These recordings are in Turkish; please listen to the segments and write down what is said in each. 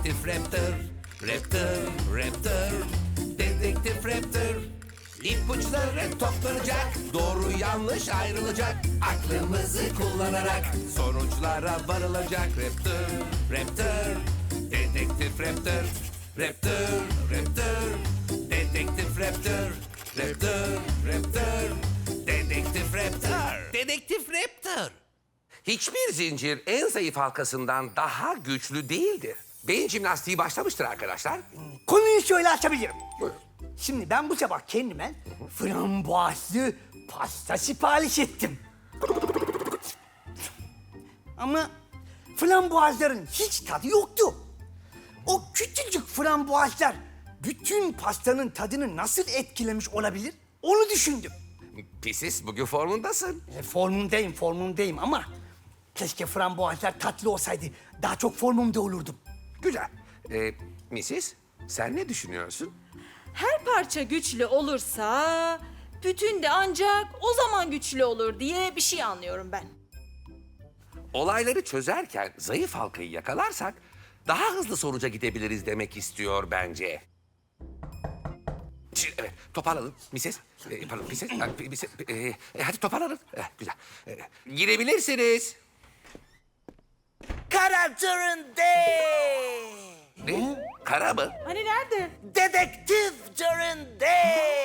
Dedektif Raptor, Raptor, Raptor, Dedektif Raptor. İpuçları toplanacak, doğru yanlış ayrılacak. Aklımızı kullanarak sonuçlara varılacak. Raptor, Raptor, Dedektif Raptor, Raptor, Raptor, Dedektif Raptor, Raptor, Raptor, Dedektif Raptor. Dedektif Raptor. Hiçbir zincir en zayıf halkasından daha güçlü değildir. Beyin jimnastiği başlamıştır arkadaşlar. Konuyu şöyle açabilirim. Buyurun. Şimdi ben bu sabah kendime frambuazlı pasta sipariş ettim. Ama frambuazların hiç tadı yoktu. O küçücük frambuazlar bütün pastanın tadını nasıl etkilemiş olabilir? Onu düşündüm. Pisiz, bugün formundasın. Formumdayım ama keşke frambuazlar tatlı olsaydı. Daha çok formumda olurdum. Güzel. Mrs., sen ne düşünüyorsun? Her parça güçlü olursa bütün de ancak o zaman güçlü olur diye bir şey anlıyorum ben. Olayları çözerken zayıf halkayı yakalarsak daha hızlı sonuca gidebiliriz demek istiyor bence. Şimdi, evet, toparlanın Mrs. Pardon, Mrs. Hadi toparlanın. Güzel. Girebilirsiniz. Kara Turunde! Ne? Kara mı? Hani nerede? Dedektif Turunde!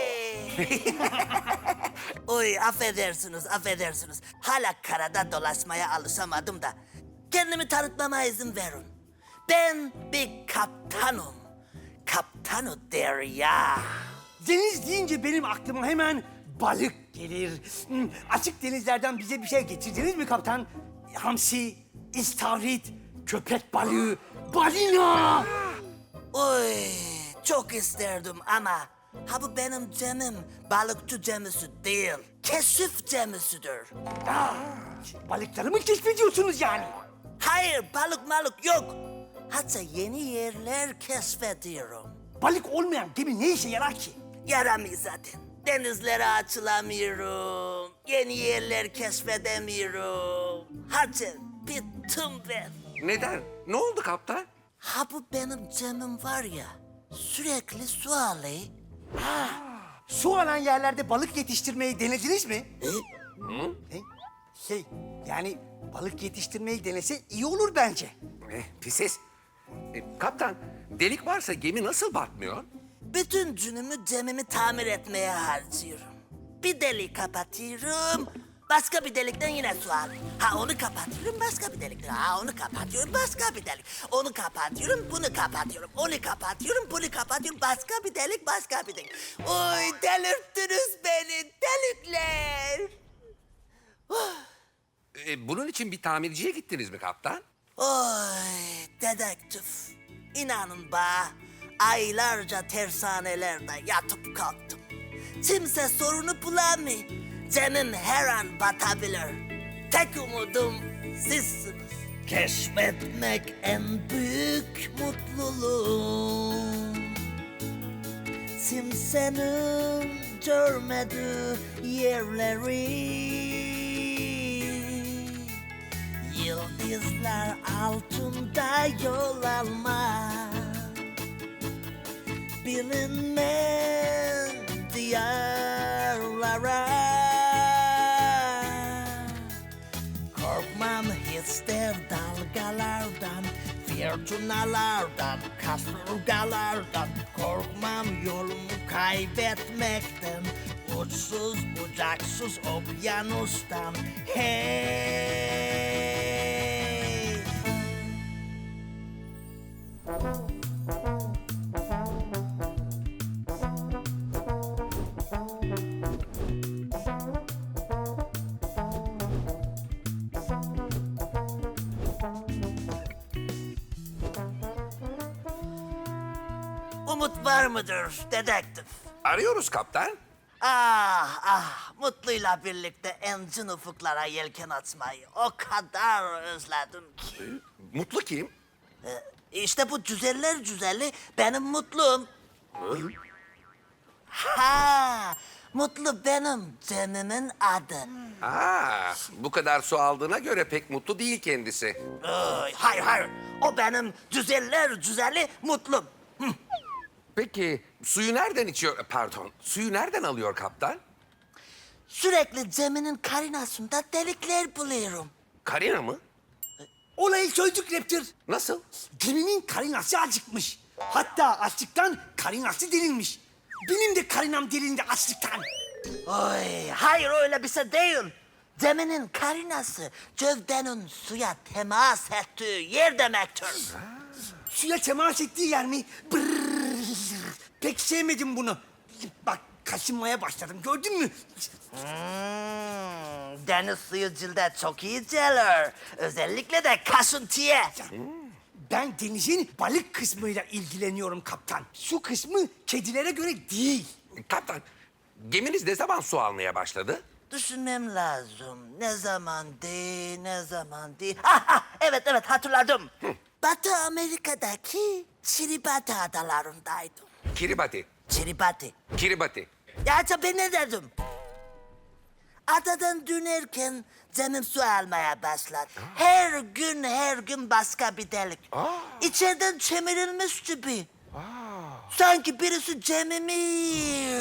Oy affedersiniz. Hala karada dolaşmaya alışamadım da. Kendimi tanıtmama izin verin. Ben bir kaptanım. Kaptanı Derya. Deniz deyince benim aklıma hemen balık gelir. Açık denizlerden bize bir şey getirdiniz mi kaptan? Hamsi, istavrit, köpek balığı, balina. Oy çok isterdim ama ha bu benim gemim balıkçı gemisi değil. Keşif gemisidir. Balıkları mı keşfediyorsunuz yani? Hayır balık yok. Hatta yeni yerler keşfediyorum. Balık olmayan gemi ne işe yarar ki? Yaramıyor zaten. Denizlere açılamıyorum. Yeni yerler keşfedemiyorum. Hadi bittim ben. Neden? Ne oldu kaptan? Ha bu benim gemim var ya sürekli su alıyor. Su alan yerlerde balık yetiştirmeyi denediniz mi? E? Yani balık yetiştirmeyi denese iyi olur bence. Pisiz. Kaptan, delik varsa gemi nasıl batmıyor? Bütün günümü gemimi tamir etmeye harcıyorum. Bir delik kapatıyorum, başka bir delikten yine su alıyorum. Ha onu kapatıyorum, başka bir delikten. Ha onu kapatıyorum, başka bir delik. Onu kapatıyorum, bunu kapatıyorum. Onu kapatıyorum, bunu kapatıyorum. Başka bir delik, başka bir delik. Oy delirttiniz beni, delikler. Bunun için bir tamirciye gittiniz mi kaptan? Oy dedektif. İnanın bana aylarca tersanelerde yatıp kalktım. Kimse sorunu bulamıyor. Gemim her an batabilir. Tek umudum sizsiniz. Keşfetmek en büyük mutluluğum. Kimsenin görmediği yerleri. Yıldızlar altında yol almak. Bilinmeyen diyarlara. Korkmam hiç de dalgalardan, fırtınalardan, kasırgalardan. Korkmam yolumu kaybetmekten, uçsuz bucaksız okyanustan. Hey! Umut var mıdır dedektif? Arıyoruz kaptan. Mutluyla birlikte engin ufuklara yelken açmayı o kadar özledim ki. Mutlu kim? İşte bu güzeller güzeli benim mutlum. Ha, Mutlu benim Cem'imin adı. Bu kadar su aldığına göre pek mutlu değil kendisi. Hayır hayır. O benim güzeller güzeli Mutlu. Peki suyu nereden içiyor? Pardon, suyu nereden alıyor kaptan? Sürekli Cem'imin karinasında delikler buluyorum. Karina mı? Olayı çözdük Raptor. Nasıl? Cem'in karinası acıkmış. Hatta açlıktan karinası delinmiş. Benim de karinam delindi açlıktan. Oy, hayır öyle bir şey değil. Cem'imin karinası gövdenin suya temas ettiği yer demektir. Suya temas ettiği yer mi? Brrr. Pek sevmedim bunu. Bak kaşınmaya başladım gördün mü? Deniz suyu cilde çok iyi gelir. Özellikle de kaşıntıya. Ben denizin balık kısmıyla ilgileniyorum kaptan. Su kısmı kedilere göre değil. Kaptan, geminiz ne zaman su almaya başladı? Düşünmem lazım. Ne zaman değil. Ha, evet hatırladım. Batı Amerika'daki Kiribati adalarındaydım. Kiribati, Kiribati. Kiribati. Ya ben ne dedim? Adadan dönerken Cem'im su almaya başladı. Her gün başka bir delik. İçeriden çemirilmiş gibi. Sanki birisi Cem'imi...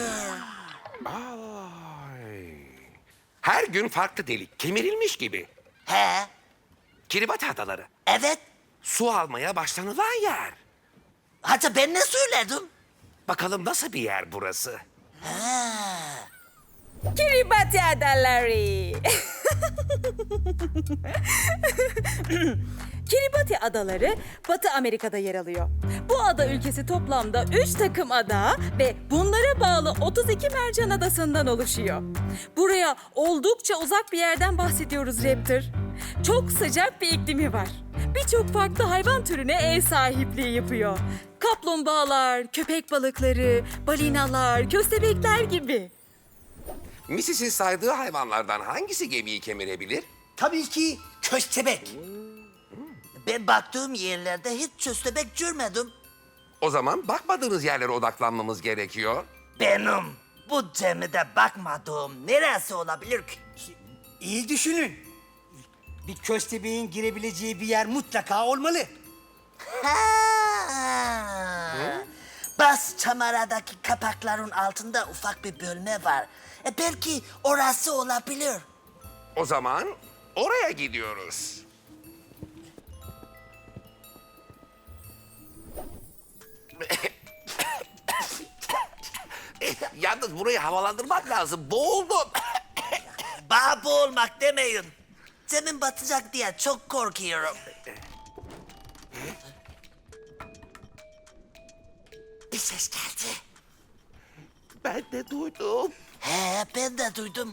Ay. Her gün farklı delik, kemirilmiş gibi. He, Kiribati adaları, evet. su almaya başlanılan yer. Hatta ben ne söyledim? Bakalım nasıl bir yer burası? Kiribati Adaları. Kiribati Adaları Batı Amerika'da yer alıyor. Bu ada ülkesi toplamda 3 takım ada ve bunlara bağlı 32 mercan adasından oluşuyor. Buraya oldukça uzak bir yerden bahsediyoruz Raptor. Çok sıcak bir iklimi var. Birçok farklı hayvan türüne ev sahipliği yapıyor. Kaplumbağalar, köpek balıkları, balinalar, köstebekler gibi. Misis'in saydığı hayvanlardan hangisi gemiyi kemirebilir? Tabii ki köstebek. Ben baktığım yerlerde hiç köstebek görmedim. O zaman bakmadığınız yerlere odaklanmamız gerekiyor. Benim bu Cem'de bakmadığım neresi olabilir ki? İyi düşünün. Bir köstebeğin girebileceği bir yer mutlaka olmalı. Ha. Bas çamaradaki kapakların altında ufak bir bölme var. Belki orası olabilir. O zaman oraya gidiyoruz. Yalnız burayı havalandırmak lazım. Boğuldum. Bağ boğulmak demeyin. Cem'in batacak diye çok korkuyorum. Bir ses geldi. Ben de duydum. He, ben de duydum.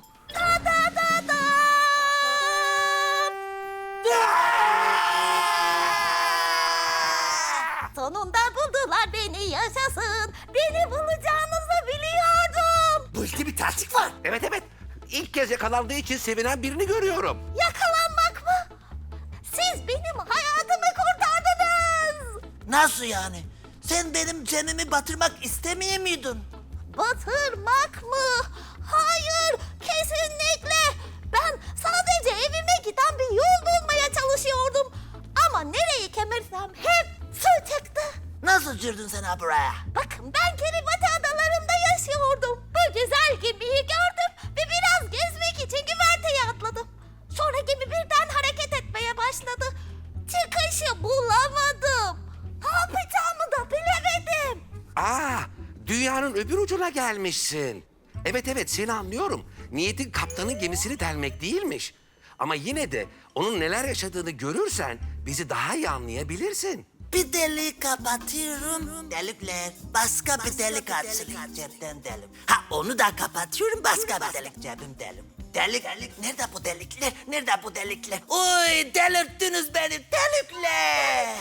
Sonunda buldular beni yaşasın. Beni bulacağınızı biliyordum. Bu işte bir terslik var. Evet. İlk kez yakalandığı için sevinen birini görüyorum. Yakalanmak mı? Siz benim hayatımı kurtardınız. Nasıl yani? Sen benim Cem'imi batırmak istemiyor muydun? Batırmak mı? Hayır, kesinlikle. Ben sadece evime giden bir yol bulmaya çalışıyordum. Ama nereyi kemirsem hep su çıktı. Nasıl girdin sen ha buraya? Bakın ben Kiribati adalarında yaşıyordum. Bu güzel gemiyi gördüm ve biraz gezmek için güverteye atladım. Sonra gemi birden hareket etmeye başladı. Çıkışı bulamadım. Ne yapacağımı da bilemedim. Dünyanın öbür ucuna gelmişsin. Evet, seni anlıyorum. Niyetin kaptanın gemisini delmek değilmiş. Ama yine de onun neler yaşadığını görürsen bizi daha iyi anlayabilirsin. Bir delik kapatıyorum. Delikler. Başka bir delik açılıyor. Cepten delik. Ha onu da kapatıyorum. Başka bir delik cebim delik. Delik. Nerede bu delikler? Nerede bu delikler? Oy delirttiniz beni. Delikler.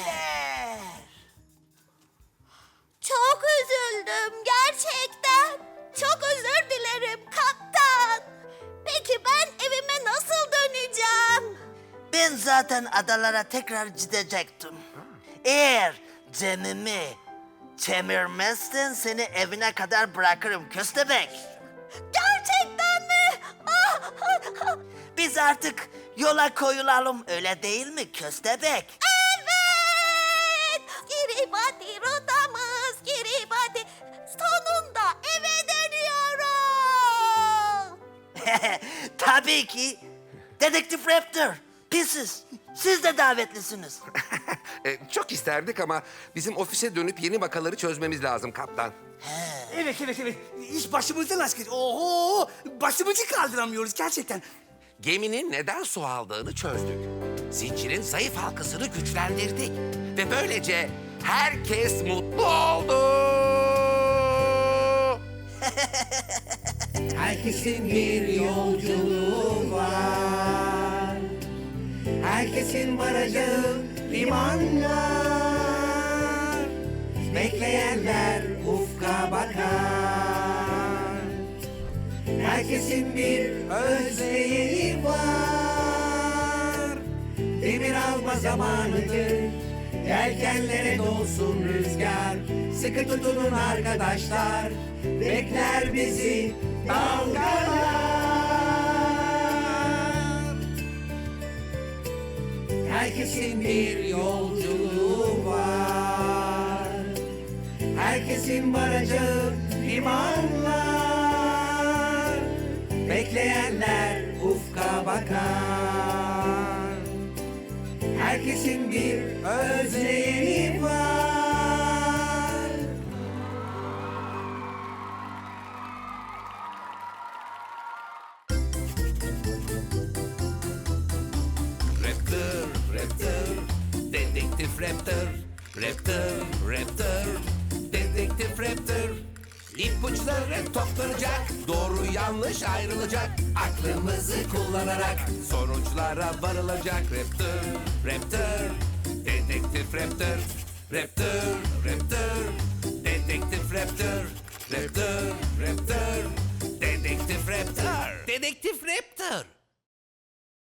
Çok üzüldüm gerçekten. Çok özür dilerim kaptan. Peki ben evime nasıl döneceğim? Ben zaten adalara tekrar gidecektim. Eğer Cem'imi kemirmezsen seni evine kadar bırakırım köstebek. Gerçekten mi? Biz artık yola koyulalım, öyle değil mi köstebek? Evet! Kiribati rotamız, Kiribati. Sonunda eve dönüyoruz. Tabii ki. Dedektif Raptor, Pieces, siz de davetlisiniz. Çok isterdik ama bizim ofise dönüp yeni vakaları çözmemiz lazım kaptan. Evet. İş başımızdan aşkın. Oho! Başımızı kaldıramıyoruz gerçekten. Geminin neden su aldığını çözdük. Zincirin zayıf halkasını güçlendirdik. Ve böylece herkes mutlu oldu. Herkesin bir yolculuğu var. Herkesin varacağı liman var. Bekleyenler ufka bakar. Herkesin bir özleği var. Demir alma zamanıdır. Yelkenlere dolsun rüzgar. Sıkı tutunun arkadaşlar. Bekler bizi dalgalar. Herkesin bir yolculuğu var. Herkesin varacağı limanlar. Bekleyenler ufka bakar. Herkesin bir özlemi var. Raptor, Raptor, Dedektif Raptor. Raptor, Raptor, Dedektif Raptor. İpuçları toplanacak, doğru yanlış ayrılacak. Aklımızı kullanarak sonuçlara varılacak. Raptor, Raptor, Dedektif Raptor. Raptor, Raptor, Dedektif Raptor. Raptor, Raptor, Dedektif Raptor. Dedektif Raptor.